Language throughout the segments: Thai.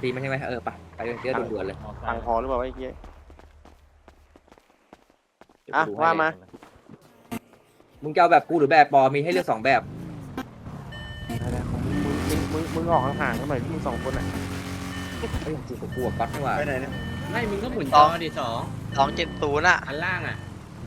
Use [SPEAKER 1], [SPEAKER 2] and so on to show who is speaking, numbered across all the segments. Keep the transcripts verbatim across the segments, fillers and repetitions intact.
[SPEAKER 1] ซีมันใช่ไหมเออไปไปเยอะด่วนๆเลย
[SPEAKER 2] ตังค์พอหรือเปล่าวะไอ้เหี้ย
[SPEAKER 1] เดี๋ยว
[SPEAKER 2] อ่ะ
[SPEAKER 1] กูดูให้
[SPEAKER 2] ว่า
[SPEAKER 1] เลย
[SPEAKER 2] มา
[SPEAKER 1] มึงจะเอาแบบกูหรือแบบปอมีให้เลือกสองแบบ
[SPEAKER 2] อะไรของมึงมึงมึงมึงมึงออกห่างๆกันหน่อยที่มึงสองคนอ่ะ
[SPEAKER 1] ไอ้ยกูกับกูกับก๊อตนี่หว่า
[SPEAKER 3] ไปไหนเนี่ย
[SPEAKER 4] ไม่มึงก็หมุนจอดิสอง
[SPEAKER 5] สองเจ็ดศูนย์อ่ะ
[SPEAKER 4] อันล่างอ่ะ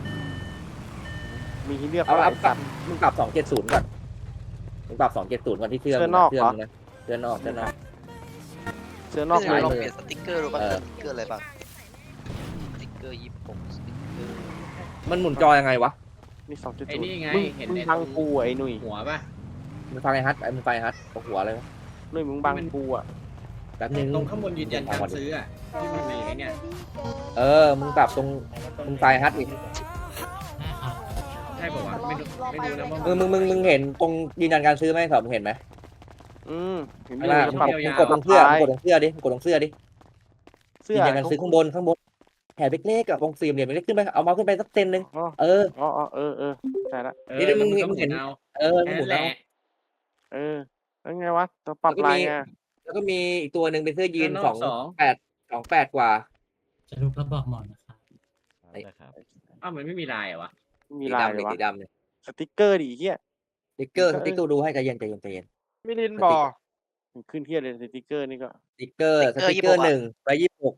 [SPEAKER 2] มีให้เลือก
[SPEAKER 1] เอา
[SPEAKER 2] หลา
[SPEAKER 1] เอา
[SPEAKER 2] ย
[SPEAKER 1] ปรั
[SPEAKER 2] สั
[SPEAKER 1] บ
[SPEAKER 2] ตว์
[SPEAKER 1] มึงปรับสองเจ็ดศูนย์ก่อนมึงปรับสองเจ็ดศูนย์ก่อนที่เสื้อ
[SPEAKER 2] เสื้
[SPEAKER 1] มึ
[SPEAKER 2] อง นอก
[SPEAKER 1] เสื้อ
[SPEAKER 2] เหรอ
[SPEAKER 1] มึงนะเสื้อนอกเสื้อนอก
[SPEAKER 2] เสื้อนอก
[SPEAKER 5] ไม่
[SPEAKER 2] ลาย
[SPEAKER 5] ลอง
[SPEAKER 2] มือ
[SPEAKER 5] เปลี่ยนสติ๊กเกอร์ดูป่ะ
[SPEAKER 1] เออ
[SPEAKER 5] สติ๊กเกอร์อะไรบ้างสติ๊กเกอร์ยี่สิบหกสติ๊กเกอร์
[SPEAKER 1] มันหมุนจอยังไงวะ
[SPEAKER 2] นี่สองจุด
[SPEAKER 4] ไอ้
[SPEAKER 2] ศูน
[SPEAKER 4] นี่
[SPEAKER 2] ย์
[SPEAKER 4] ไง
[SPEAKER 2] มึง
[SPEAKER 4] เห็น
[SPEAKER 2] มึง
[SPEAKER 4] ใน
[SPEAKER 2] บังกูอ่ะไอ้หนุ่ย
[SPEAKER 4] หัวป่ะ
[SPEAKER 1] มึงฟังไอ้ฮัทไอ้มึงฟังไอ้ฮัทตกหัวเลยวะ
[SPEAKER 2] หนุ่ยมึงบังกูอ่ะ
[SPEAKER 1] แป๊บนึง
[SPEAKER 4] ตรงข้างบนยืนยันการซื้ออ่ะที่มันมีไอ้เนี่ย
[SPEAKER 1] เออมึงปรับตรงมึงฟังไอ้ฮัทอีก
[SPEAKER 4] ใช่ป่าวะไม่รู้ไม่รู้นะว่า
[SPEAKER 1] มึงมึงมึงมึงเห็นตรงยืนยันการซื้อไหมสอบมึงเห็นไหม
[SPEAKER 2] อืมเห็น
[SPEAKER 1] ไม่
[SPEAKER 2] ไหม
[SPEAKER 1] ล่ะ
[SPEAKER 2] มึ
[SPEAKER 1] มึ
[SPEAKER 2] ง
[SPEAKER 1] ง
[SPEAKER 2] ปรับ
[SPEAKER 1] กดมึงกดตรงเสื้อมึงกดตรงเสื้อดิมึงกดตรงเสื้อดิ
[SPEAKER 2] เสื้
[SPEAKER 1] ยื
[SPEAKER 2] อน
[SPEAKER 1] ยันการซื้อข้างบนข้างบนแถบเล็กๆกับวงสี่เหลี่ยมเล็กขึ้นไปเอาเมาส์ขึ้นไปสักเซนหนึ่ง
[SPEAKER 2] อ๋อ
[SPEAKER 1] เออ
[SPEAKER 2] อ๋ออ๋อเออเออใช่ละ
[SPEAKER 4] เออ
[SPEAKER 1] นี่มึง
[SPEAKER 4] แล้ว
[SPEAKER 1] มึงเห็น
[SPEAKER 4] ก็เอา
[SPEAKER 1] เออ
[SPEAKER 4] แค่
[SPEAKER 1] หมุ
[SPEAKER 4] นั้น นแห
[SPEAKER 1] เอา
[SPEAKER 4] ละ
[SPEAKER 2] เออแล้วไงวะตัวปรับ
[SPEAKER 1] แล้วก็
[SPEAKER 2] ลาย
[SPEAKER 1] มี
[SPEAKER 2] ไง
[SPEAKER 1] แล้วก็มีอีกตัวหนึ่งเป็นเสื้อยีน
[SPEAKER 4] เสื้
[SPEAKER 1] ส
[SPEAKER 4] อ
[SPEAKER 1] อน ง
[SPEAKER 4] อกสอง
[SPEAKER 1] แปดสองแปดกว่า
[SPEAKER 6] จะรูปแล้วบอกหมอนนะครับ
[SPEAKER 4] อ้าวมันไม่มีลายเหรอวะ
[SPEAKER 2] มี
[SPEAKER 1] สี
[SPEAKER 2] ลาย
[SPEAKER 1] ดำ
[SPEAKER 2] เล
[SPEAKER 1] เลย
[SPEAKER 2] ยวะ
[SPEAKER 1] สีดำเลย
[SPEAKER 2] สติ๊กเกอร์ดิไอ้เหี้ย
[SPEAKER 1] สติ๊กเกอร์
[SPEAKER 2] ส
[SPEAKER 1] ส
[SPEAKER 2] ติ๊
[SPEAKER 1] ติ๊
[SPEAKER 2] ก
[SPEAKER 1] ก
[SPEAKER 2] เก
[SPEAKER 1] เก
[SPEAKER 2] อ
[SPEAKER 1] อ
[SPEAKER 2] ร์
[SPEAKER 1] ร์ดูให้ใจเย็นใจเย็นใจเย็น
[SPEAKER 3] มิลินบอ
[SPEAKER 2] มันขึ้นเทียเลยสติ๊กเกอร์นี่ก็
[SPEAKER 1] สติ๊กเกอร์สติ๊กเกอร์หนึ่งไปยี่สิบหก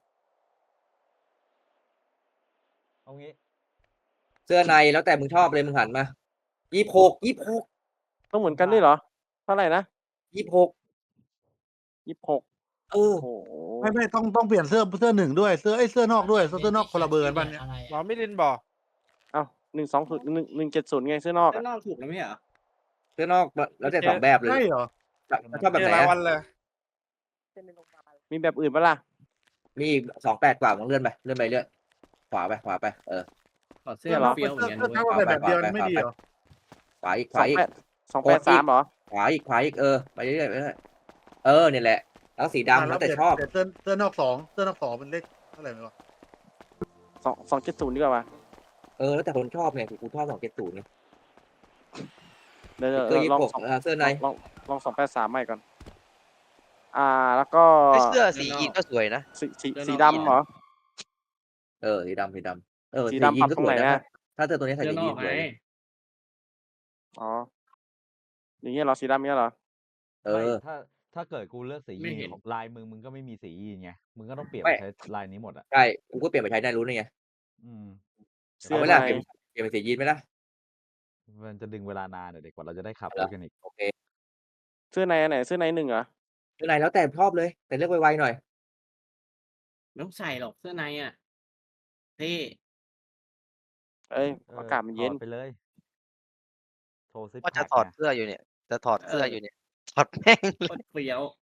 [SPEAKER 3] เอางี้
[SPEAKER 1] เสื้อในแล้วแต่มึงชอบเลยมึงหันมายี่สิบหกยี่สิบหก
[SPEAKER 2] ต้องเหมือนกันด้วยเหรอเท่าไหร่นะ
[SPEAKER 1] ยี่สิบหก
[SPEAKER 2] ยี่สิบหก
[SPEAKER 1] เออ
[SPEAKER 2] โอ้โห
[SPEAKER 7] ไม่ไม่ต้องต้องเปลี่ยนเสื้อเสื้อหนึ่งด้วยเสื้อไอ้ยเสื้อนอกด้วยเสื้อนอกคนละเบอร์กันป่ะเนี่ย
[SPEAKER 6] อะไร
[SPEAKER 3] หมอมิลินบอ
[SPEAKER 2] เอ้าหนึ่งสองศูนย์หนึ่งหนึ่งเจ็ดศูนย์ไงเสื้อนอก
[SPEAKER 4] ข้า
[SPEAKER 2] อะ
[SPEAKER 4] งนอกถูกแล้วไม่เหรอ
[SPEAKER 1] เสื้อนอกแล้วแต่สองแบบเลย
[SPEAKER 7] ใช่เหรอ
[SPEAKER 1] ชอบแบบ
[SPEAKER 3] เจ
[SPEAKER 1] ไห
[SPEAKER 3] อน หลายวั
[SPEAKER 1] อะ
[SPEAKER 3] นเลย
[SPEAKER 2] มีแบบอื่นปะล่ะ
[SPEAKER 1] มีอีกสองแปดกว่ามึงเลื่อนไปเลื่อนไปเลื่อนขวาไปขวาไปเออ
[SPEAKER 4] ถอดเสื้อมาเฟี้ยวเหมื
[SPEAKER 7] เสื้
[SPEAKER 4] อ
[SPEAKER 7] อน
[SPEAKER 4] กัน
[SPEAKER 7] เสื้อ
[SPEAKER 4] เว้ย
[SPEAKER 7] เท่ากันแบบเดียวไม่ดีเหรอ
[SPEAKER 1] ขวาอีกข
[SPEAKER 2] สอ
[SPEAKER 1] วาง อีก
[SPEAKER 2] แปดสองแปดสามเหรอ
[SPEAKER 1] ขวาอีกขวาอีกเออไปเรื่อยๆไปเรื่อยๆเออเนี่ยแหละแล้วสีดำแล้วแต่ชอบ
[SPEAKER 7] เปลี่ยนเสื้อเสื้อนอกสองเสื้อนอกสองเป็นเลขเท่าไหร่ไม่รู้
[SPEAKER 2] สองสองเจ็ดศูนย์ดีกว่าปะ
[SPEAKER 1] เออแล้วแต่คนชอบไงกูชอบสองเจ็ดศูนย์ไง
[SPEAKER 2] เดี๋ยว
[SPEAKER 1] เสื้อยี่
[SPEAKER 2] ล
[SPEAKER 1] สิ
[SPEAKER 2] อง
[SPEAKER 1] บหก
[SPEAKER 2] สอง
[SPEAKER 1] เออเสื้อใน
[SPEAKER 2] ลองลองสองแปดสามใหม่ก่อน อ่าแล้วก็
[SPEAKER 5] ไอ้เสื้อสียีนก็สวยนะ
[SPEAKER 2] สีสีสีดำเหรอ
[SPEAKER 1] เออสีดำสีดำเออ
[SPEAKER 2] สี
[SPEAKER 1] สี
[SPEAKER 2] ดำ
[SPEAKER 1] ยีนก็
[SPEAKER 2] ปรับตรง
[SPEAKER 1] สวย
[SPEAKER 2] ไหน
[SPEAKER 1] นะ
[SPEAKER 2] อะ
[SPEAKER 1] ถ้าเสื้อตัวนี้ใส่
[SPEAKER 4] เสื้อ
[SPEAKER 1] สี
[SPEAKER 4] น
[SPEAKER 1] ยี
[SPEAKER 4] อน ก
[SPEAKER 1] ส
[SPEAKER 4] ไง
[SPEAKER 1] วย
[SPEAKER 2] อ๋ออย่างเงี้ยเหรอสีดำเงี้ยเหรอ
[SPEAKER 1] เอ
[SPEAKER 8] ไม่
[SPEAKER 1] อ
[SPEAKER 8] ถ้าถ้าเกิดกูเลือกสี
[SPEAKER 4] ไม่
[SPEAKER 8] ยีน
[SPEAKER 4] เห็น
[SPEAKER 8] ของลายมึงมึงก็ไม่มีสียีนไงมึงก็ต้องเปลี่ยน
[SPEAKER 1] ไม่
[SPEAKER 8] มาใช้ลายนี้หมดอ่ะ
[SPEAKER 1] ใช่กูก็เปลี่ยนไปใช้ได้รู้นี่ไง
[SPEAKER 8] อืม
[SPEAKER 2] เสื้
[SPEAKER 1] เอา
[SPEAKER 2] อ
[SPEAKER 1] ไว้
[SPEAKER 2] ใน
[SPEAKER 1] ละเปลี่ยนเปลี่ยนเป็นสียีนไหมล่ะ
[SPEAKER 8] มันจะดึงเวลานานเดี๋ยวกว่าเราจะได้ขับ
[SPEAKER 1] เอา
[SPEAKER 8] ร
[SPEAKER 1] ละ
[SPEAKER 8] ถกันอีก
[SPEAKER 1] โอเค
[SPEAKER 2] เสื้อในอันไหนเสื้อในหนึ่งเหรอ
[SPEAKER 1] เสื้อในแล้วแต่ชอบเลย แต่เลือกไวๆหน่อย
[SPEAKER 4] ไม่ต้องใส่หรอกเสื้อในอ่ะเท่
[SPEAKER 2] เอ้ย
[SPEAKER 8] เออ
[SPEAKER 2] อากาศมันเย็น
[SPEAKER 8] ถอดไปเลย โทรซิป
[SPEAKER 5] ว่าจะ
[SPEAKER 8] แพ็ค
[SPEAKER 5] ถอด
[SPEAKER 8] ไง
[SPEAKER 5] เสื้ออยู่เนี่ย จะถอดเสื้ออยู่เนี่ย ถอดแม่ง
[SPEAKER 4] โคตรเฟี้ยว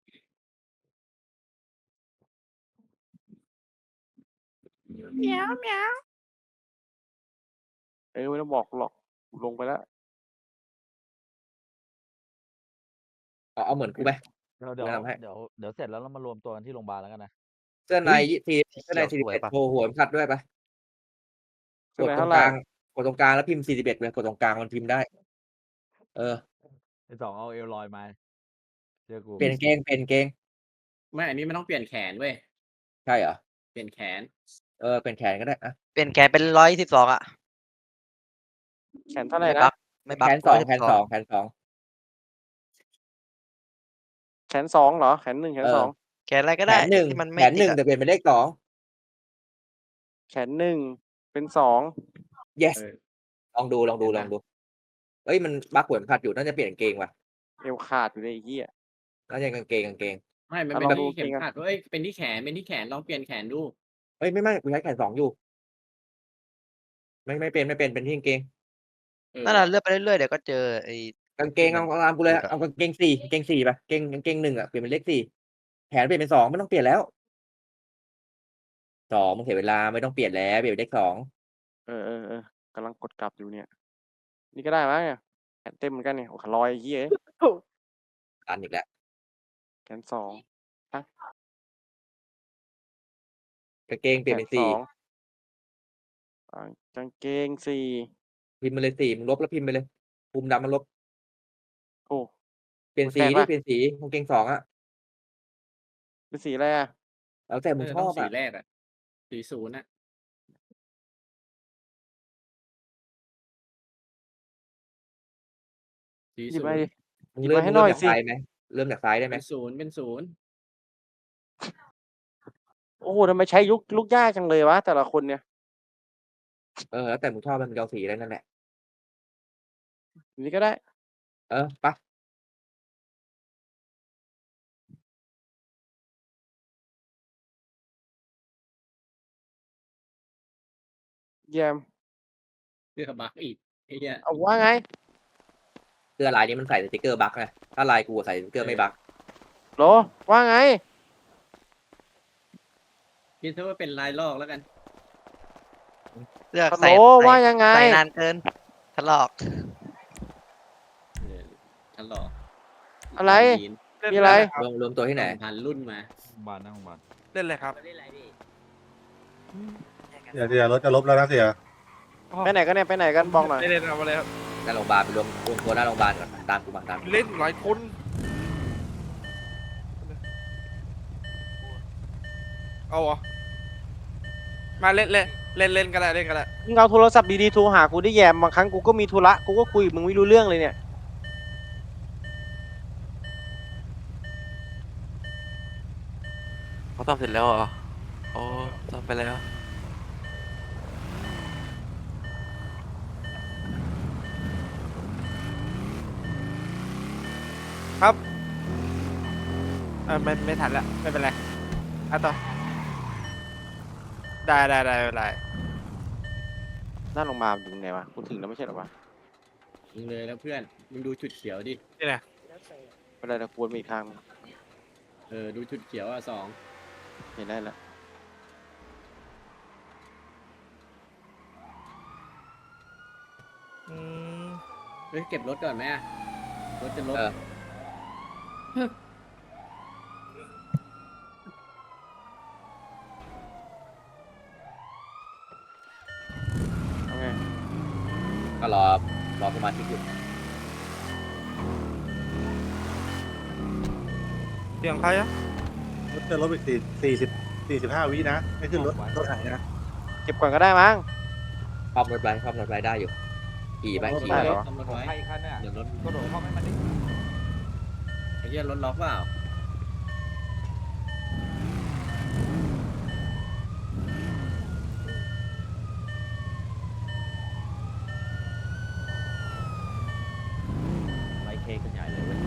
[SPEAKER 2] เอ้ยไม่ต้องบอกหรอกลงไปแล้ว
[SPEAKER 1] เอาเอาเหมือนกูไหม
[SPEAKER 8] เดี๋ยวเดี๋ยว
[SPEAKER 1] แนะนำให้
[SPEAKER 8] เดี๋ยวเดี๋ยวเสร็จแล้วเรามารวมตัวกันที่โรงพยาบาลแล้วกันนะ
[SPEAKER 1] เสื้อใน
[SPEAKER 5] อุ๊ย
[SPEAKER 1] ยี่สี่
[SPEAKER 5] สี
[SPEAKER 1] เสื้อใน
[SPEAKER 5] เขี
[SPEAKER 1] สี่
[SPEAKER 5] ยว
[SPEAKER 1] สิบ
[SPEAKER 5] สวย
[SPEAKER 1] เอ็ด
[SPEAKER 5] ปะ
[SPEAKER 1] โชว์หัวเข็มขัดด้วยปะ
[SPEAKER 2] เสื้
[SPEAKER 1] ก
[SPEAKER 2] อ
[SPEAKER 1] ด
[SPEAKER 2] ใน
[SPEAKER 1] ตร
[SPEAKER 2] เท่าง ไห
[SPEAKER 1] ก
[SPEAKER 2] ร่
[SPEAKER 1] ลางกดตรงกลางแล้วพิมพ์สี่สิบเอ็ดเลยกดตรงกลางมันพิมพ์ได้ เออ
[SPEAKER 8] ไอ้สองเอาเอลลอยมาเจอกู
[SPEAKER 1] เปลี่ยนกางเกงเปลี่ยนกางเกง
[SPEAKER 4] ไม่อันนี้มันต้องเปลี่ยนแขนเว้ย
[SPEAKER 1] ใช่เหรอ
[SPEAKER 4] เปลี่ยนแขน
[SPEAKER 1] เออเปลี่ยนแขนก็ได้อะ
[SPEAKER 5] เปลี่ยนแขนเป็นร้อยสิบสองอ่ะ
[SPEAKER 2] แขนเท่าไหร่
[SPEAKER 5] ไม่
[SPEAKER 2] นะ
[SPEAKER 5] บักไม่บัก
[SPEAKER 1] แขนสอง
[SPEAKER 5] ร้ย
[SPEAKER 1] แข
[SPEAKER 5] สิ
[SPEAKER 1] น
[SPEAKER 5] บ
[SPEAKER 1] สองแขนสอง
[SPEAKER 2] แขนสองเหรอแขนหนึ่งแขน
[SPEAKER 1] เออ
[SPEAKER 2] สอง
[SPEAKER 5] แขนอะไรก็
[SPEAKER 1] แข
[SPEAKER 5] ได้
[SPEAKER 1] นหนึ่ง
[SPEAKER 5] ที่มัน
[SPEAKER 1] แข
[SPEAKER 5] ไม่
[SPEAKER 1] นห
[SPEAKER 5] ติด
[SPEAKER 1] นึ่ง
[SPEAKER 5] อะ
[SPEAKER 1] แต่เปลี่ยนเป็นเลขสอง
[SPEAKER 2] แขนหนึ่งเป็นสอง
[SPEAKER 1] yes
[SPEAKER 4] เออ
[SPEAKER 1] ลองดูลองดูลองดูเอ้ยมันบักหัวเข็มขัดอยู่น่าจะเปลี่ยนกางเกงว่ะ
[SPEAKER 2] เอวขาดอยู่ในไอ้เหี้ย
[SPEAKER 1] น่าจะกางเกงกางเกง
[SPEAKER 4] ไม่มัน
[SPEAKER 2] อ่ะ
[SPEAKER 4] เป็น
[SPEAKER 2] ลองดู
[SPEAKER 4] ที่เข็ม
[SPEAKER 2] จริงอะ
[SPEAKER 4] ขัดเว้ยเป็นที่แขนเป็นที่แขนลองเปลี่ยนแขนดู
[SPEAKER 1] เอ้ยไม่ไม่กูใช้แขนสองอยู่ ไม่ไม่เป็นไม่เป็นเป็นที่กางเกง
[SPEAKER 4] เออ
[SPEAKER 5] นั่นน่ะเลื่อนไปเรื่อยๆเดี๋ยวก็เจอไอ้
[SPEAKER 1] กางเกงเอาเอาตามกูเลยเอากางเกงสี่กางเกงสี่ไปเกงกางเกงหนึ่งอ่ะเปลี่ยนเป็นเลขสี่แขนเปลี่ยนเป็นสองไม่ต้องเปลี่ยนแล้วสองมึงเสียเวลาไม่ต้องเปลี่ยนแล้วเปลี่ยนเป็นเลขสอง
[SPEAKER 2] เออเออเออกำลังกดกลับอยู่เนี่ย นี่ก็ได้มั้งเนี่ยแขนเต็มเหมือนกันเนี่ยโอ้ขลอยไอ้เหี้ย
[SPEAKER 1] ตันอีกแล้ว
[SPEAKER 2] แขนสอง
[SPEAKER 1] กางเกงเป
[SPEAKER 2] แข
[SPEAKER 1] ลี่ยน
[SPEAKER 2] น
[SPEAKER 1] เป็น
[SPEAKER 2] ส
[SPEAKER 1] สี่
[SPEAKER 2] องอ่ากางเกงสี่
[SPEAKER 1] พิมพ์มาเลยสี่มึงลบแล้วพิมพ์ไปเลยภูมิดำมันลบ
[SPEAKER 2] โอ้
[SPEAKER 1] เปลี่ยนสี
[SPEAKER 2] แปลก
[SPEAKER 1] ดิ
[SPEAKER 2] ปะ
[SPEAKER 1] เปลี่ยนสีกางเกงสองอ่ะ
[SPEAKER 2] เป็นสีอะไรอ่ะ
[SPEAKER 1] แล้วแต่
[SPEAKER 4] เอ
[SPEAKER 1] มึง
[SPEAKER 4] อ
[SPEAKER 1] ช
[SPEAKER 4] ต้
[SPEAKER 1] อ
[SPEAKER 4] อง
[SPEAKER 1] บ
[SPEAKER 4] สี
[SPEAKER 1] อะ
[SPEAKER 4] แรกอะสีศูนย์อะสี
[SPEAKER 2] หยิบ
[SPEAKER 4] ศู
[SPEAKER 2] มาน ดิ
[SPEAKER 4] ย์
[SPEAKER 1] มึง
[SPEAKER 2] หยิบ
[SPEAKER 1] เริ่
[SPEAKER 2] มาม ให้
[SPEAKER 1] มึง
[SPEAKER 2] หน่
[SPEAKER 1] เริ่
[SPEAKER 2] อ
[SPEAKER 1] ม
[SPEAKER 2] ย
[SPEAKER 1] จาก
[SPEAKER 2] สิ
[SPEAKER 1] ซ้ายไหมเริ่มจากซ้ายได้ไหม
[SPEAKER 4] เป็นศูนย์เป็นศูนย์
[SPEAKER 2] โอ้โฮทำไมใช้ยุกลูกยากจังเลยวะ แต่ละคนเนี่ย
[SPEAKER 1] เออ แล้วแต่มึงชอบเลยมึงจะเอาสีอะไรนั่นแหละ
[SPEAKER 2] สีนี้ก็ได้
[SPEAKER 1] เออ ไป
[SPEAKER 2] เยี่ยม
[SPEAKER 4] เสื้อบั๊กอีกไอ้เหี้ย
[SPEAKER 2] อ้าว ว่าไง?
[SPEAKER 1] เสื้อลายนี้มันใส่สติกเกอร์บั๊กไง ถ้าลายกูอะใส่สติกเกอร์ไม่บั๊ก
[SPEAKER 2] โหล ว่าไง?
[SPEAKER 4] คิดเสียว่าเป็นลายลอกแล้วกัน
[SPEAKER 5] เลือก
[SPEAKER 2] ฮัล
[SPEAKER 5] ใส่
[SPEAKER 2] โหล
[SPEAKER 5] ใส่
[SPEAKER 2] ว่ายังไง?
[SPEAKER 5] ใส่นานเกิน ถลอก
[SPEAKER 4] เออ ถลอก
[SPEAKER 2] อะไร
[SPEAKER 4] ยีนส์
[SPEAKER 2] มีอะไร?
[SPEAKER 1] รวม รวมตัวที่ไหน?
[SPEAKER 4] สองพัน รุ่นมา
[SPEAKER 8] โรงบาลหน้าโรงบาล
[SPEAKER 3] เล่นเลยครับ
[SPEAKER 7] เสียเสียรถจะลบแล้วนะเสีย
[SPEAKER 2] ไปไหนกันเนี่ย ไปไหนกัน บอกหน่อย
[SPEAKER 3] เล่นเลยเอามาเลยครับ
[SPEAKER 1] หน้าโรงบาลไปรวม รวมตัวหน้าโรงบาลก่อน ตามกูมา ตามกู
[SPEAKER 3] เล่นหลายคน เอาเหรอ มาเล่นเล่นเล่นเล่นก็ได้เล่นก็ได้
[SPEAKER 2] มึงเอาโทรศัพท์ดีๆ โทรหากูดิแยม บางครั้งกูก็มีธุระ กูก็คุยกับมึงไม่รู้เรื่องเลยเนี่ย
[SPEAKER 9] เขาตอบเสร็จแล้วเหรอ? อ๋อ ตอบไปแล้ว
[SPEAKER 3] ครับ เออ ไม่ ไม่ทันแล้ว ไม่เป็นไร เอาต่อ ได้ ๆ ๆ ไม่เป็นไร
[SPEAKER 2] หน้าโรงบาลอยู่ตรงไหนวะ กูถึงแล้วไม่ใช่เหรอวะ?
[SPEAKER 4] มึงเลยแล้วเพื่อน มึงดูจุดเขียวดิ
[SPEAKER 3] นี่ไง
[SPEAKER 2] ไม่เป็นไร เดี๋ยวกูวนมาอีกทางหนึ่ง
[SPEAKER 4] เออ ดูจุดเขียวอะ สอง
[SPEAKER 2] เห็นได้แล้ว
[SPEAKER 3] อืม
[SPEAKER 4] เฮ้ย เก็บรถก่อนไหมอะ รถจะลบ
[SPEAKER 1] เออ
[SPEAKER 2] เอาไง?
[SPEAKER 1] ก็รอ รอสมาชิกอยู่
[SPEAKER 3] เสียงใครอะ?
[SPEAKER 7] รถจะลบอีกสี่ สี่สิบ สี่สิบห้า วินะ ให้ขึ้นรถ รถหายนะ
[SPEAKER 2] เก็บก่อนก็ได้มั้ง
[SPEAKER 1] ครอบรถไว้ ครอบรถไว้ได้อยู่ ขี่ไป ขี่
[SPEAKER 2] ได้
[SPEAKER 1] ไป
[SPEAKER 2] เหรอ?
[SPEAKER 4] ซ่อมรถ
[SPEAKER 8] ของ
[SPEAKER 4] ไว้
[SPEAKER 8] ใครอีกคันเนี่ย
[SPEAKER 1] เดี๋ยวรถ
[SPEAKER 8] กระโดดเข้าให้มันดิ
[SPEAKER 4] ไอ้เหี้ยรถล็อกเปล่า?
[SPEAKER 8] ไล่เค้กกันใหญ่เลยเว้ย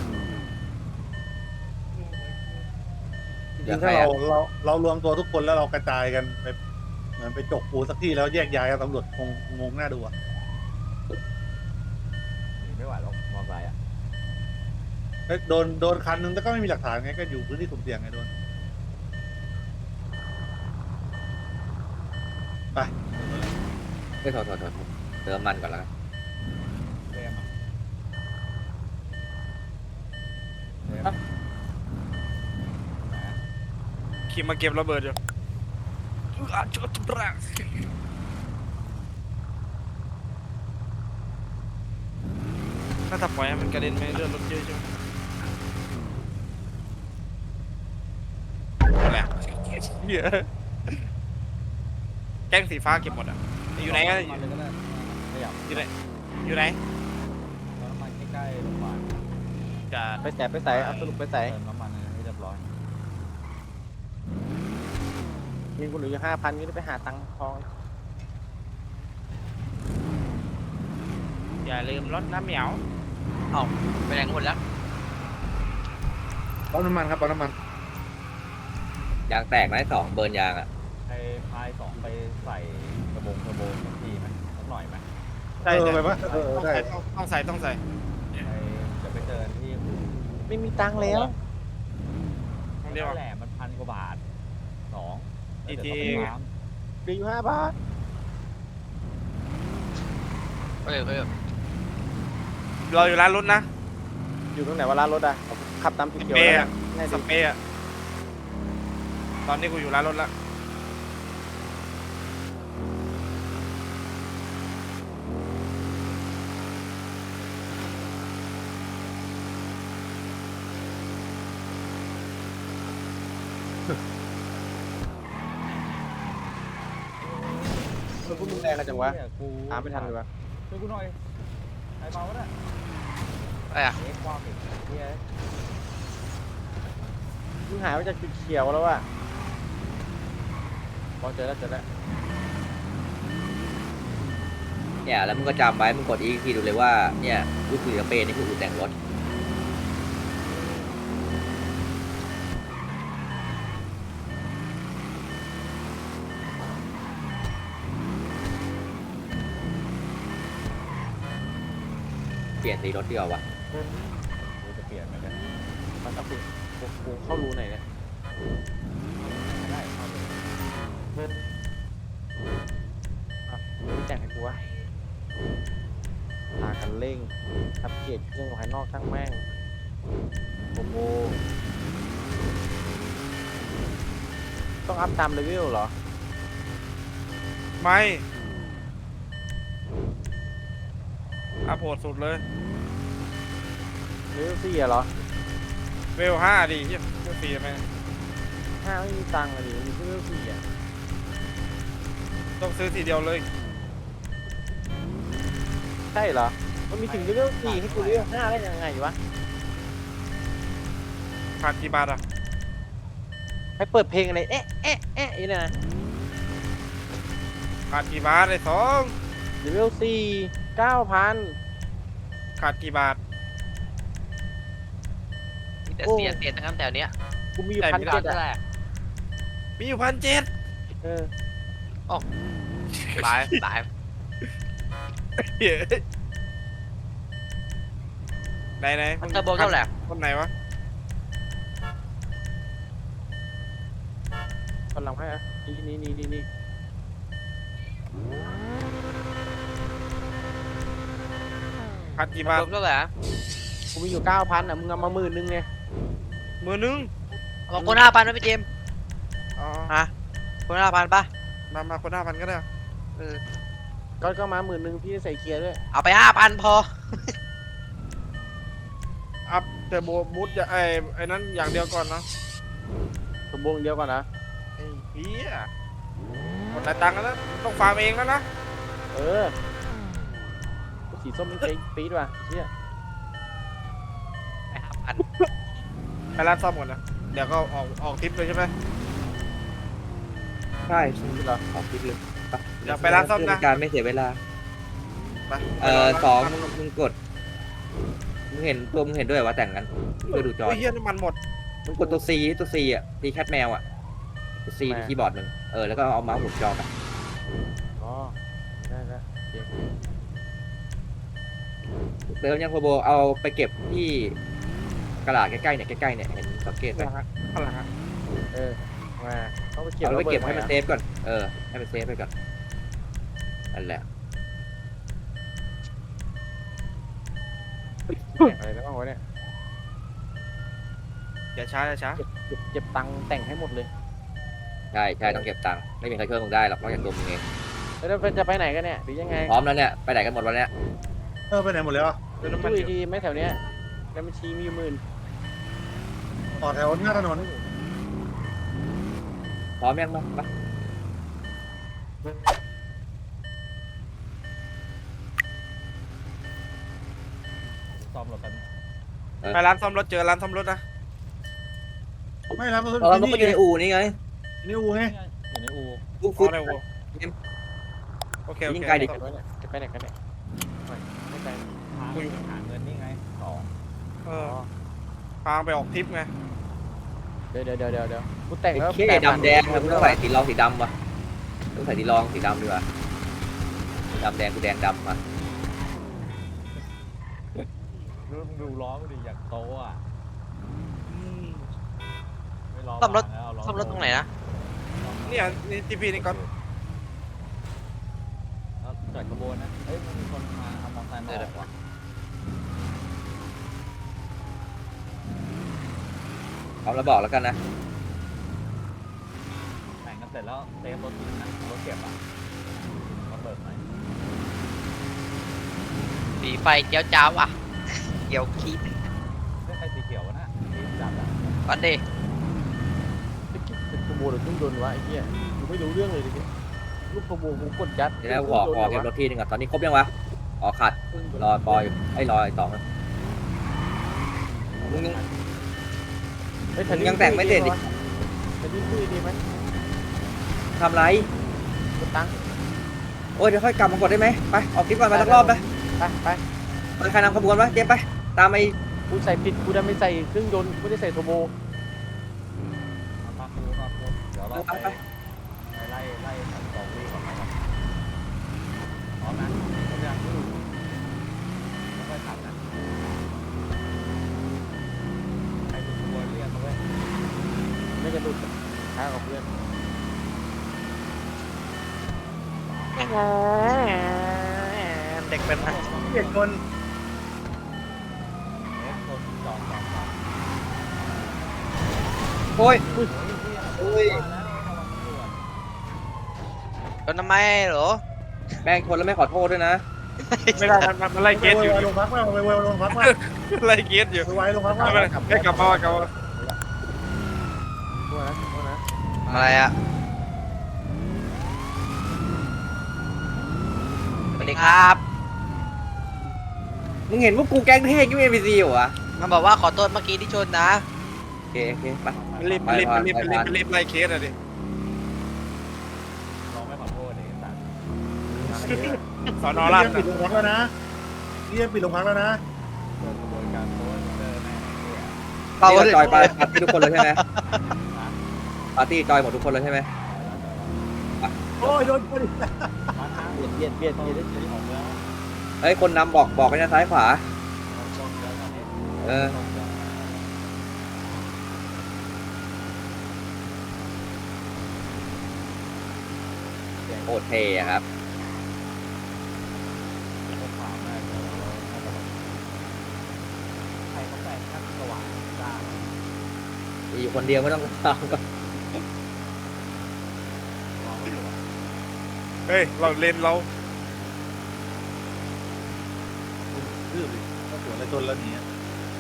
[SPEAKER 7] จริงๆถ้าเรา เรา เรารวมตัวทุกคนแล้วเรากระจายกันไป เหมือนไปจกปูสักที่แล้วแยกย้ายกันตำรวจคงงงหน้าดูอะ
[SPEAKER 8] หนีไม่ไหวหรอก มอไซค์อะ
[SPEAKER 7] เฮ้ย โดน โดนคันหนึ่งแต่ก็ไม่มีหลักฐานไง ก็อยู่พื้นที่สุ่มเสี่ยงไงโดน ไป
[SPEAKER 1] เฮ้ย โทษ ๆ ๆ เติมน้ำมันก่อนแล้วกัน
[SPEAKER 8] เฟรมอะ เฟรม
[SPEAKER 3] ฮะ
[SPEAKER 8] ไหนอะ?
[SPEAKER 3] ขี่มาเก็บระเบิดอยู่ อะจุดบรา ถ้าถ้าปล่อยให้มันกระเด็นไปเลื่อนรถเยอะใช่ไหม? นั่นแหละ เหี้ย แก๊งสีฟ้าเก็บหมดอะ อยู่ไหนอะ?
[SPEAKER 8] ปั๊มน้ำมันเลยก็ได้ ขยับ
[SPEAKER 3] อยู่ไหน อยู่ไหน?
[SPEAKER 8] ปั๊มน้ำมันใกล้ ๆ โรงบาล
[SPEAKER 3] จะ
[SPEAKER 2] ไปไส ไปไส เอาสรุปไปไส?
[SPEAKER 8] เติมน้ำมันให้เรียบร้อย
[SPEAKER 2] เงินกูเหลืออยู่ ห้าพัน งี้จะไปหาตังค์ทอน
[SPEAKER 3] อย่าลืมรดน้ำเหมียว
[SPEAKER 5] อ้าว ไปไหนกันหมดแล้ว?
[SPEAKER 7] ปั๊มน้ำมันครับ ปั๊มน้ำมัน
[SPEAKER 1] ยางแตกไหม สอง เบิร์นยางอะ
[SPEAKER 8] ไอ้พาย สอง ไปใส่กระบงเทอร์โบสักทีไหม สักหน่อยไหม?
[SPEAKER 3] ใช่
[SPEAKER 7] เออ
[SPEAKER 3] ๆ
[SPEAKER 7] ไปปะ เออ
[SPEAKER 3] ต้อง
[SPEAKER 7] ได้
[SPEAKER 3] ใส่ ต้อง ต้องใส่ ต้องใส่
[SPEAKER 8] ไป เดี๋ยวไปเจอกันที่อู่
[SPEAKER 2] ไม่มีตังค์แล้ว
[SPEAKER 3] ต้องเรียก
[SPEAKER 8] นั่
[SPEAKER 3] ว่า
[SPEAKER 8] นแหละ มัน พัน กว่าบาท สอง
[SPEAKER 3] อีกที
[SPEAKER 8] แล้วเดี๋ยวต้องไปปั๊ม
[SPEAKER 2] เหลืออยู่ ห้า บาท
[SPEAKER 5] เออ เออ
[SPEAKER 3] เราอยู่ร้านรถนะ
[SPEAKER 2] อยู่ตรงไหนวะร้านรถอะ? ขับตามสีเขียว
[SPEAKER 3] สเปร
[SPEAKER 2] แล้ว
[SPEAKER 3] ย์
[SPEAKER 2] กั
[SPEAKER 3] อะ
[SPEAKER 2] น ง่าย
[SPEAKER 3] ส
[SPEAKER 2] ดี
[SPEAKER 3] เปรย์อะ ตอนนี้กูอยู่ร้านรถแล้ว
[SPEAKER 2] มึงแรงกันจังวะ
[SPEAKER 8] เหี้ยกู
[SPEAKER 2] ตามไม่ทันเลยวะ
[SPEAKER 8] ช่วยกูหน่อยไอ้เมาวะเนี่ย
[SPEAKER 5] อะไรอ่ะ
[SPEAKER 8] เอ็กซ์ความอีกเฮีย
[SPEAKER 2] มึงหายไปจากจุดเขียวแล้วว่ะพอเจอแล้วเจอแล้ว
[SPEAKER 1] เนี่ยแล้วมึงก็จำไว้มึงกดอีกทีดูเลยว่าเนี่ยอู่คุยกับเปนนี่คืออู่แต่งรถเปลี่ยนสีรถดีกว่าวะ
[SPEAKER 8] กูจะเปลี่ยนเหมือนกัน
[SPEAKER 2] มันต้องคุณกูเข้ารูไหนเนี่ย
[SPEAKER 8] ไม่ได้เข้าเลย
[SPEAKER 2] อ่ะมึงแต่งให้กูวะพากันเร่งอัปเกรดเครื่องภายนอกช่างแม่งโอ้โหต้องอัพตามเลเวลเหรอ
[SPEAKER 3] ไม่อัพโหดสุดเลย
[SPEAKER 2] เลเวลสี่อะเหรอ
[SPEAKER 3] เวลห้าดิเหี้ยเวลสี่ทำไม
[SPEAKER 2] ห้าไม่มีตังค์อะดิมีแค่เลเวลสี่อะ
[SPEAKER 3] ต้องซื้อทีเดียวเลย
[SPEAKER 2] ใช่เหรอ มันมีถึงเลเวลสี่ให้กูเลเวลห้าได้ยังไงวะ
[SPEAKER 3] ขาดกี่บาทอ่ะ
[SPEAKER 2] ให้เปิดเพลงอะไร เอ๊ะ เอ๊ะ เอ๊ะอย่างนี้นะ
[SPEAKER 3] ขาดกี่บาทไอ้สอง
[SPEAKER 2] เลเวลสี่เก้าพัน
[SPEAKER 3] ขาดกี่บาท
[SPEAKER 5] มีแต่เสียเสียทั้งนั้นแถวเนี้ย
[SPEAKER 2] กูมีอยู่
[SPEAKER 3] แต่
[SPEAKER 2] พัน
[SPEAKER 3] มี
[SPEAKER 2] เจ็ด
[SPEAKER 5] นั่น
[SPEAKER 2] อะ
[SPEAKER 5] แหละ
[SPEAKER 3] มีอยู่พันเจ็ด
[SPEAKER 2] เออ
[SPEAKER 5] ตายตาย
[SPEAKER 3] ไหนไหน
[SPEAKER 5] มันเทอร์โบเท่าไหร่
[SPEAKER 3] คนไหนวะ
[SPEAKER 2] กำลังให้อะนี่นี่นี่นี่นี่
[SPEAKER 3] ขาดกี่
[SPEAKER 5] ร
[SPEAKER 3] บาท
[SPEAKER 5] วมเท่าไหร่อะ
[SPEAKER 2] กูมีอยู่เก้าพันอะมึงเอามาหมื่นนึงไง
[SPEAKER 3] มือนึง
[SPEAKER 5] เอาคนห้าพันนะพี่เจมส์
[SPEAKER 3] อ๋อ
[SPEAKER 5] ฮะคนห้าพันป่ะ
[SPEAKER 3] มามาคนห้าพันก็ได้
[SPEAKER 5] เออ
[SPEAKER 2] ก็ก็มาหมื่นนึงพี่ใส่เกียร์ด้วย
[SPEAKER 5] เอาไปห้าพันพอ
[SPEAKER 3] อัพเทอร์โบบูทอย่าไอ้ไอ้นั้นอย่างเดียวก่อนเนาะ
[SPEAKER 2] สมบูรณ์เดียวก่อนนะ
[SPEAKER 3] ไอ้เหี้ยหมดแต่ตังค์แล้วนะต้องฟาร์มเองแล้วนะ
[SPEAKER 2] เออสีส้มมันเจ๊ปี๊ดว่ะเชี่ย
[SPEAKER 5] ไปห้าพัน
[SPEAKER 3] ไปร้านซ่อมก่อนนะเดี๋ยวก็ออกออกทริปเลยใช่ไหม
[SPEAKER 1] ใช่ใช่เหรอขอคิดเลยไป
[SPEAKER 3] เดี๋ยวไปร้านซ่อมนะ
[SPEAKER 1] เพื่การไม่เสียเวลา
[SPEAKER 3] ไป
[SPEAKER 1] เอ่อสองมึงมึงกดมึงเห็นตัวมึงเห็นด้วยว่าแต่งกันเพื่อดูจอ
[SPEAKER 3] โอ้ยเหี้ยน้ำมันหมด
[SPEAKER 1] มึงกดตัว C ตัว C อ่ะตีแคทแมวอ่ะตัว C ที่คีย์บอร์ดมึงเออแล้วก็เอาเมาส์หมุนจอไป
[SPEAKER 2] อ๋อได้แล้วเจ๊
[SPEAKER 1] เติมยังโคโบเอาไปเก็บที่กระดาษใกล้ๆเนี่ยใกล้ๆเนี่ยเห็นสังเกตไหม
[SPEAKER 3] ข้างหลังอะข้างหลังอะ
[SPEAKER 2] เออมาต้องไปเก็บ
[SPEAKER 1] เอาไปเก็บให้
[SPEAKER 2] ระ
[SPEAKER 1] มัน
[SPEAKER 2] ด
[SPEAKER 1] เซฟก่อนเออให้มันเซฟไปก่อนนั่นแหละ
[SPEAKER 2] แต่งอะไรแล้วบ้างวะเนี่ย
[SPEAKER 3] อย่าช้าอย่าช้า
[SPEAKER 2] เก็บเก็บเก็บตังค์แต่งให้หมดเลย
[SPEAKER 1] ใช่ใช่ต้องเก็บตังค์ไม่มีใครช่วยมึงได้หรอกนอกจากตัวมึงเอง
[SPEAKER 2] แล้วจะไปไหนกันเนี่ยหรือยังไง
[SPEAKER 1] พร้อมแล้วเนี่ยไปไหนกันหมดวันเนี้ย
[SPEAKER 7] เออไปไหนหมดแล้วอะ
[SPEAKER 3] เติมน้ำมัน
[SPEAKER 2] ตู้
[SPEAKER 3] อ
[SPEAKER 2] อี
[SPEAKER 3] ยู่
[SPEAKER 2] กทีไหม่แถวเนี้ยแล้วบัญชีมีอยู่หมื่น
[SPEAKER 7] ต่อแถวหน้าถนน
[SPEAKER 1] พร้อมยังมามา
[SPEAKER 8] ซ่อมรถกัน
[SPEAKER 3] ไปร้านซ่อมรถเจอร้านซ่อมรถนะ
[SPEAKER 7] ไม่รับรถ
[SPEAKER 1] เออมันก็อยู่ในอู่นี่ไง
[SPEAKER 7] นี่อูไง
[SPEAKER 8] อยู่ในอู
[SPEAKER 1] ฟุ๊บ
[SPEAKER 3] อ๋
[SPEAKER 1] ฟุ๊
[SPEAKER 3] อบ ได้โว้โอเคโอ
[SPEAKER 1] ยิ่
[SPEAKER 3] เค
[SPEAKER 1] งไกลดิ
[SPEAKER 2] จะไปไหนจะไปไหนกันเนี่ยไม่ไม่ไป
[SPEAKER 8] หาหาเงินนี่ไงสอง
[SPEAKER 3] เออพาไปออกทริปไง
[SPEAKER 2] เดี๋ยวเดี๋ยวเดี๋ยวเดี๋ยวเดี๋ยวกูแต่งแล้ว
[SPEAKER 1] เคดำแดงนะกูต้องใส่สีรองสีดำวะต้องใส่สีรองสีดำดีกว่าดำแดงกูแดงดำอ่ะ
[SPEAKER 8] ดูดูล้อมันดิอยากโตอ่ะไม่ล้อ
[SPEAKER 5] ซ่อมรถ
[SPEAKER 8] บางแล้วเอาล้
[SPEAKER 5] ซ่อมรถตรงไหนนะ
[SPEAKER 3] เนี่ยนี่ทีพีนี่ก่อน
[SPEAKER 8] เอาจอดขบวนนะเฮ้ยมันมีคนมาเอามอเตอร์ไซค์มาออกว่ะ
[SPEAKER 1] เอาแล้วบอกแล้วกันนะ
[SPEAKER 8] แต่งกันเสร็จแล้วเซฟรถทิ้งนะเอารถเก็บอ่ะมาเบิกหน่อย
[SPEAKER 5] สีไฟเจ้าจ้าวอ่ะเกี่ยวคีบ
[SPEAKER 8] ไม่ใครสีเขียววะนะสีจัดอ่ะ
[SPEAKER 5] ก่อนดิ
[SPEAKER 2] เป็นกูโมหรือเครื่องยนต์วะไอ้เหี้ยกูไม่รู้เรื่องเลยดิเนี่ย
[SPEAKER 3] ร
[SPEAKER 2] ลูกขโมยผมกดยัด
[SPEAKER 1] เดี๋ยวนะกูออกออกเก็บรถทีนึงก่อนตอนนี้ครบยังวะออกขาดรอปอยอยู่ไอ้รอไอ้สองนะมึงยัง
[SPEAKER 2] เฮ้ย
[SPEAKER 1] มึงยังแต่งไม่เสร็จดิ
[SPEAKER 2] จะดิ้นคุยดีไหม
[SPEAKER 1] ทำไร
[SPEAKER 2] กดตังค์
[SPEAKER 1] โอ้ยเดี๋ยวค่อยกลับมากดได้ไหมไปออกคลิปก่อนไปสักรอบไป
[SPEAKER 2] ไปไป
[SPEAKER 1] ไปใครนำขบวนวะเจมไปตามไอ้
[SPEAKER 2] กูใส่ผิดกูดันไม่ใส่เครื่องยนต์กูไม่ได้ใส่โทโบ
[SPEAKER 8] มาคูมาคูเดี๋ยวเรา
[SPEAKER 1] ไป
[SPEAKER 8] ไป
[SPEAKER 1] ไป
[SPEAKER 8] ไล่ไล่สันสองวีก่อนนะครับพร้อมนะพร้อมยังแล้วค่อยขับนะใครเป็นขบวนเรียกมาเว้ย
[SPEAKER 2] ไม่จะหลุดช้ากับเพื่อน
[SPEAKER 9] เด็กเป็นไง
[SPEAKER 7] เจ็ดคน
[SPEAKER 8] เอ๊ะคนจอดจอดจอด
[SPEAKER 1] โอ้ย
[SPEAKER 8] โอ้ย
[SPEAKER 1] โอ้ย
[SPEAKER 8] มาแล้วระวังตำรวจ
[SPEAKER 9] โดนทำไมเหรอ
[SPEAKER 1] แม่งคนแล้วไม่ขอโทษด้วยนะ
[SPEAKER 3] ไม่ได้มันมันมันไล่เก
[SPEAKER 7] ไป
[SPEAKER 3] ตอยู่
[SPEAKER 7] ไวๆลงพักมาไปไวๆลงพักมา
[SPEAKER 3] ไล่เกตอยู่
[SPEAKER 7] ไปไวๆลงพักมา
[SPEAKER 3] ไม่เป็นไรให้กลับมาว่ากลับมา
[SPEAKER 2] ตัวนะตัวนะ
[SPEAKER 9] อะไรอ่ะสวัสดีครับ
[SPEAKER 1] มึงเห็นว่ากูแก๊งเท่ยังไม่เอ็นพีซีอยู่วะ
[SPEAKER 9] มันบอกว่าขอโทษเมื่อกี้ที่ชนนะ
[SPEAKER 1] โอเคโอเคไป
[SPEAKER 3] มันรีบมันรีบมันรีบมันรีบมันรีบไล่เคสอะดิ
[SPEAKER 8] ลองไม่ขอโทษเองสัตว์
[SPEAKER 3] สอนอราช
[SPEAKER 7] ปิดโรงพักแล้วนะเรียกปิดโรงพักแล้วนะ
[SPEAKER 8] เกิดกระบวนการโพสต์เจอแม่เนี่ย
[SPEAKER 9] เปล่า
[SPEAKER 1] นี่ก็จอยไปปาร์ตี้ทุกคนเลยใช่ไหมปาร์ตี้จอยหมดทุกคนเลยใช่ไหม
[SPEAKER 7] โอ้ยโดนคนอีก
[SPEAKER 8] มาทาง
[SPEAKER 2] เบียดเบียดเบียดเบียด
[SPEAKER 8] เดี๋ยวของเมือง
[SPEAKER 1] เฮ้ยคนนำบอกบอกไปนะซ้ายขวา
[SPEAKER 8] ชนแล้วตอนนี้
[SPEAKER 1] เออ โคตรเท่อะครับ
[SPEAKER 8] ใครเขาแปลงขั้นสว่างจ้า
[SPEAKER 1] มีอยู่คนเดียวไม่ต้องตามก็
[SPEAKER 3] เฮ้ยเราเลนเรา
[SPEAKER 7] ดื้อดิก็สวนอะไรจนแล้วเนี่ย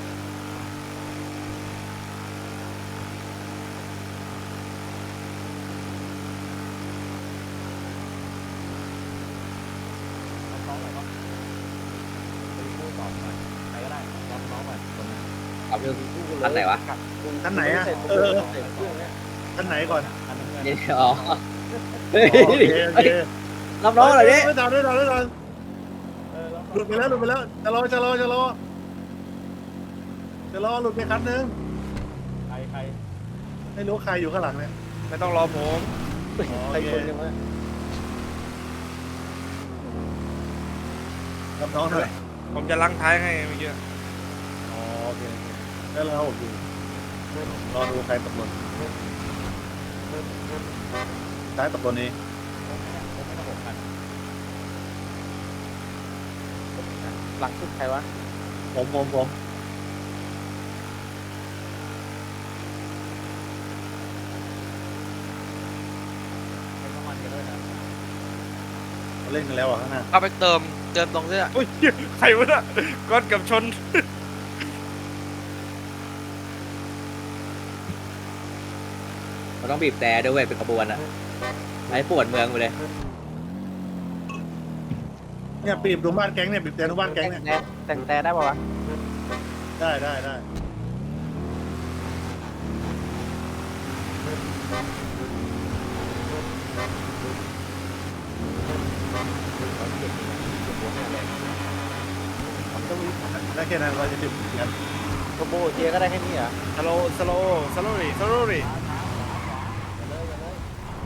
[SPEAKER 8] น้องอะไรก็ไปพูดตอบหน่อยใครก็ได้รับน้องหน่อยคนนึง
[SPEAKER 1] เอาเรื่องอันไหนวะ
[SPEAKER 7] ท่านไหนอ่ะ
[SPEAKER 2] ใส่
[SPEAKER 7] เออ
[SPEAKER 2] ใส่เครื่องเนี่ย
[SPEAKER 7] ท่านไหนก่อน
[SPEAKER 8] อันนึง
[SPEAKER 1] นี่อ๋อเฮ้ย
[SPEAKER 7] โอเคโอเค
[SPEAKER 1] รับน้องอะไรเนี่ย
[SPEAKER 7] ไม่ตามไม่ตามไม่ตาม
[SPEAKER 8] เออแล้ว
[SPEAKER 7] หลุดไปแล้วหลุดไปแล้วจะรอจะรอจะรอจะรอหลุดไปคันนึง
[SPEAKER 8] ใครใคร
[SPEAKER 7] ไม่รู้ใครอยู่ข้างหลังเนี่ย
[SPEAKER 3] ไม่ต้องรอผม
[SPEAKER 2] ใส่คนยังไง
[SPEAKER 7] รับน้องหน่อย
[SPEAKER 3] ผมจะล้างท้ายให้เมื่อกี้
[SPEAKER 7] อ๋อโอเคโอเคแล้วเราอยู่รอดูใครตกหล่นท้ายตกหล่นนี้
[SPEAKER 8] ผมไม่ผมไม่ต้องหกพัน
[SPEAKER 2] หลังสุดใครวะ
[SPEAKER 7] ผมผมผม
[SPEAKER 8] ให้น้ำมันกันด้วยนะ
[SPEAKER 7] เขาเล่นกันแล้วอ่ะข้างหน้า
[SPEAKER 9] เอาไปเติมเติมตรงเสื้อ
[SPEAKER 3] โอ้ยใครวะเนี่ยก้อนกับชน
[SPEAKER 1] มันต้องบีบแต่ด้วยเวยเป็นขบวนอะไอ้ปวดเมืองไปเลย
[SPEAKER 7] เนี่ยปีบดูบ้านแก๊งเนี่ยปีบแต่ดูบ้านแก๊งเนี่ย
[SPEAKER 2] แต่งแต่ได้ป่าวะ
[SPEAKER 7] ได้ได้ได้ ได้แค่นั้นเราจะถึงกัน
[SPEAKER 2] โทโบเทียก็ได้แค่นี้เหรอ
[SPEAKER 3] สโลสโลสโลรี่สโลรี่
[SPEAKER 8] อย่าเลยอย่าเลย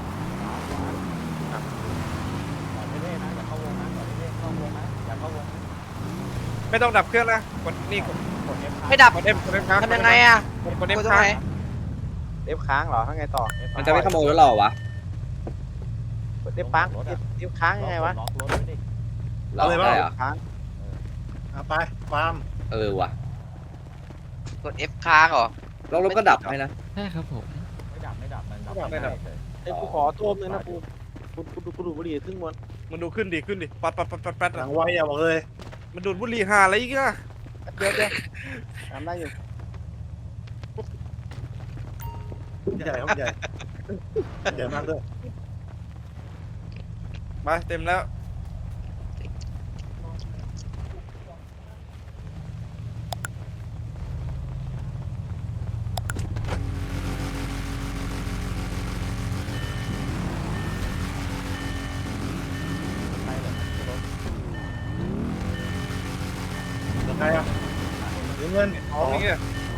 [SPEAKER 8] ก่อนเท่ๆนะอย่าเข้าวงนะก่อนเท่ๆเข้าวงนะอย่าเข้าวง
[SPEAKER 3] ไม่ต้องดับเครื่องนะกดนี่กด
[SPEAKER 8] กด F
[SPEAKER 9] ไม่ดับ
[SPEAKER 3] กดเอ็มกดเอ็มค้าง
[SPEAKER 9] ทำยังไงอ่ะ
[SPEAKER 3] กดเอ็ม
[SPEAKER 9] กดตรง
[SPEAKER 3] ค้าง
[SPEAKER 9] ไหน
[SPEAKER 2] เด็บค้างเหรอข้างไงต่อ
[SPEAKER 1] มันจะไม่ขโมยรถเราเหรอวะ
[SPEAKER 2] เด็บปังเด็บค้างยังไงวะ
[SPEAKER 8] ล็อกรถไว้ดิ
[SPEAKER 1] เราได้เหรอ
[SPEAKER 2] ค้าง
[SPEAKER 7] เอาไปฟาร์ม
[SPEAKER 1] เออว่ะ
[SPEAKER 9] กด F ค้างเหรอ
[SPEAKER 1] แล้วรถก็ดับให้นะ
[SPEAKER 8] ไม่ดับไม่ดับมันดับไม่ได้เลย
[SPEAKER 2] ไอ้กูขอตัวนึงนะกูกูกูกูดูบุหรี่ครึ่งวัน
[SPEAKER 3] มันดูขึ้นดิขึ้นดิปัดปัดปัดปัดปัด
[SPEAKER 7] หลั
[SPEAKER 3] อะ
[SPEAKER 7] งไวอ่ะบอกเลย
[SPEAKER 3] มันดูดบุหรี่หาอะไรอีกอะ
[SPEAKER 2] เดี๋ยวเดี๋ยวทำได้อยู่
[SPEAKER 7] ใหญ่ครับใหญ่ใหญ่มากด้วย
[SPEAKER 3] ไปเต็มแล้ว
[SPEAKER 7] ยังไงอ่ะถึงเงิน
[SPEAKER 3] อ๋อนี่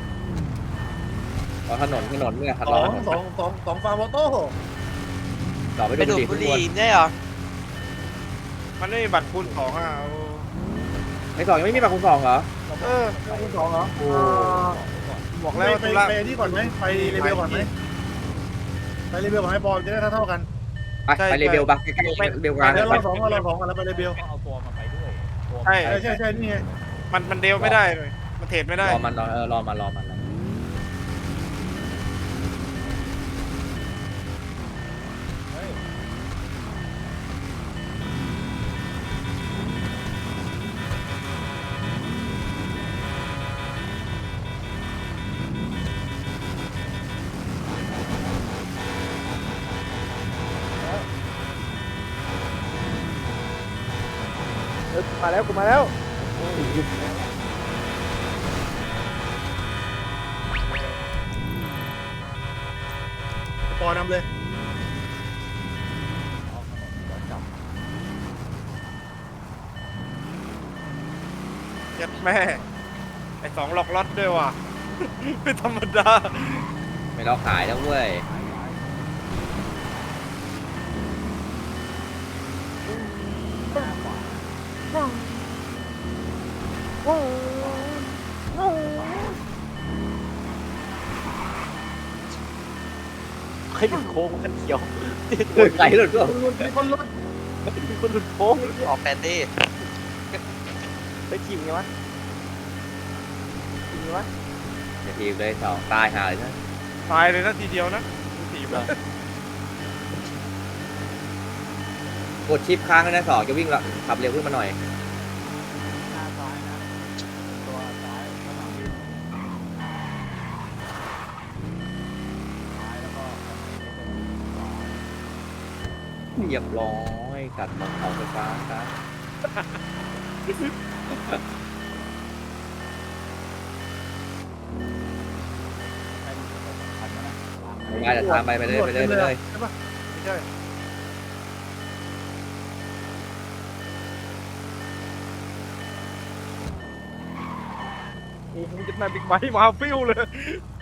[SPEAKER 1] รอถนนถนนเนี่ย
[SPEAKER 7] ส
[SPEAKER 1] รอ
[SPEAKER 7] อง
[SPEAKER 1] ถนน
[SPEAKER 7] สองสองสองฟาร์มออโต้
[SPEAKER 1] ต่อไป
[SPEAKER 9] ไป
[SPEAKER 1] ดู
[SPEAKER 9] ดูด
[SPEAKER 1] บุ
[SPEAKER 9] บุ
[SPEAKER 1] ห
[SPEAKER 9] ห
[SPEAKER 1] รี่
[SPEAKER 9] รี่ได้เหรอ
[SPEAKER 3] มันไม่มีบัตรคูณสองอ่ะเอา
[SPEAKER 1] ไอ้สองยังไม่มีบัตรคูณสองเหรอ
[SPEAKER 3] เออ
[SPEAKER 7] คูณสองเหรอ
[SPEAKER 1] โอ้
[SPEAKER 3] บอก
[SPEAKER 7] ไป
[SPEAKER 3] แล้วว่า
[SPEAKER 7] ไป
[SPEAKER 3] ธุระ
[SPEAKER 7] ไปนี่ก่อนไหมไปเลเวลก่อนไหมไปเลเวลก่อนให้บอลจะได้เท่าๆกัน
[SPEAKER 1] ไปไปเลเบลปะใกล้ๆเลเบลกลาง
[SPEAKER 7] เดี๋ยว
[SPEAKER 1] ไป
[SPEAKER 7] เราสองเราสองกันแล้วไปเลเวล
[SPEAKER 8] ต้องเอาตัวมันไปด้วยตัว
[SPEAKER 3] ใช่
[SPEAKER 7] ใช่ใช่ใช่นี่ไง
[SPEAKER 3] มันมันเดวไม่ได้เลยมันเทรดไม่ได้
[SPEAKER 1] รอมันรอเออรอมันรอมันรอ
[SPEAKER 8] เฮ้ย
[SPEAKER 3] เออมาแล้วกูมาแล้ว
[SPEAKER 7] ปอนำเลย
[SPEAKER 8] เอาถนนก่อนจับ
[SPEAKER 3] ยัดแม่ไอสองหลอกล็อตด้วยว่ะ ไม่ธรรมดา
[SPEAKER 1] ไม่รอขายแล้วเว้ย
[SPEAKER 8] หายหาย
[SPEAKER 2] ใครหลุดโค้งกันเขียว
[SPEAKER 1] เฮ้ยไก่หลุดก็
[SPEAKER 7] คนรถ
[SPEAKER 2] มีคนหลุดโค้ง
[SPEAKER 9] ออกแปดดี้
[SPEAKER 2] ไปทีมไงวะทีมไงวะ
[SPEAKER 1] อย่าทีมเลยสองตายหาเลยนะ
[SPEAKER 3] ตายเลยนะทีเดียวนะทีม
[SPEAKER 1] กดชิปค้างเลยนะสองจะวิ่งละขับเร็วขึ้นมาหน่อย
[SPEAKER 8] หน้าซ้ายนะตัวซ้ายข้างหลังวิ่งซ้ายแล้วก็ข้างในนี่เป็นขวา
[SPEAKER 1] เรียบร้อยกัดของเขาไฟฟ้าครับ
[SPEAKER 8] ให้มันเป็นตัวสำคัญนะนะวาง
[SPEAKER 1] ไม่ได้แต่ตามไปไปเลยไปเลยไปเลย
[SPEAKER 7] ใช่ปะไม่ใช่
[SPEAKER 3] โอ้โหจะนายบิ๊กไบค์มาฟิวเลย